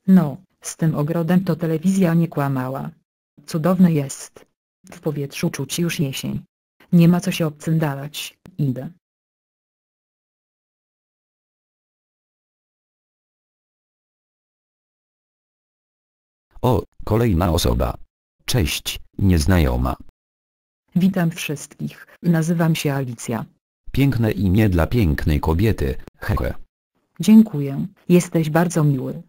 No, z tym ogrodem to telewizja nie kłamała. Cudowny jest. W powietrzu czuć już jesień. Nie ma co się obcyndalać, idę. O, kolejna osoba. Cześć, nieznajoma. Witam wszystkich, nazywam się Alicja. Piękne imię dla pięknej kobiety, hehe. Dziękuję, jesteś bardzo miły.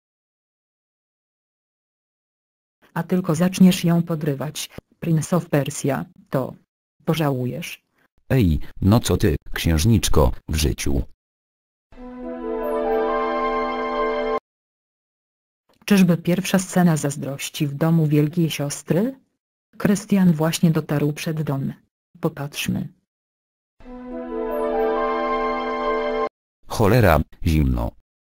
A tylko zaczniesz ją podrywać, Prince of Persia, to pożałujesz. Ej, no co ty, księżniczko, w życiu. Czyżby pierwsza scena zazdrości w domu wielkiej siostry? Krystian właśnie dotarł przed dom. Popatrzmy. Cholera, zimno.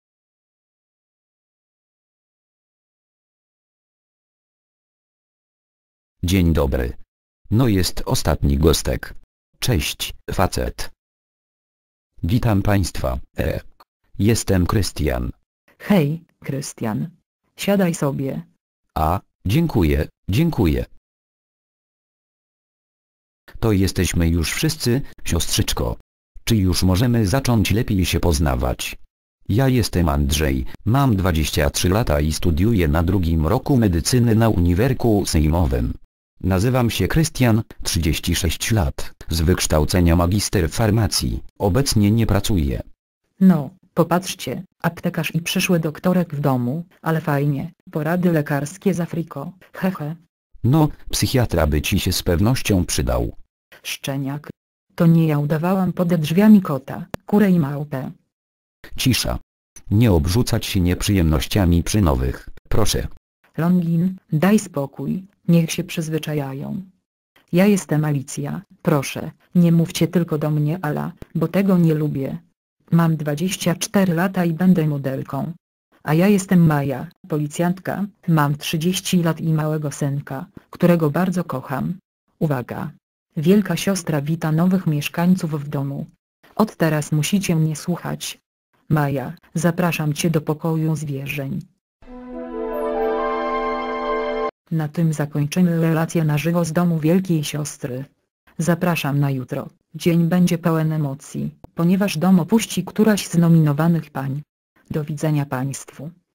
Dzień dobry. No jest ostatni gostek. Cześć, facet. Witam państwa, Jestem Krystian. Hej, Krystian. Siadaj sobie. A, dziękuję, dziękuję. To jesteśmy już wszyscy, siostrzyczko. Czy już możemy zacząć lepiej się poznawać? Ja jestem Andrzej, mam 23 lata i studiuję na 2. roku medycyny na Uniwersytecie Sejmowym. Nazywam się Krystian, 36 lat, z wykształcenia magister farmacji, obecnie nie pracuję. No, popatrzcie, aptekarz i przyszły doktorek w domu, ale fajnie, porady lekarskie z Afriko, hehe. No, psychiatra by ci się z pewnością przydał. Szczeniak. To nie ja udawałam pode drzwiami kota, kurę i małpę. Cisza. Nie obrzucać się nieprzyjemnościami przy nowych, proszę. Longin, daj spokój, niech się przyzwyczajają. Ja jestem Alicja, proszę, nie mówcie tylko do mnie Ala, bo tego nie lubię. Mam 24 lata i będę modelką. A ja jestem Maja, policjantka, mam 30 lat i małego synka, którego bardzo kocham. Uwaga! Wielka siostra wita nowych mieszkańców w domu. Od teraz musicie mnie słuchać. Maja, zapraszam cię do pokoju zwierzeń. Na tym zakończymy relację na żywo z domu wielkiej siostry. Zapraszam na jutro. Dzień będzie pełen emocji, ponieważ dom opuści któraś z nominowanych pań. Do widzenia państwu.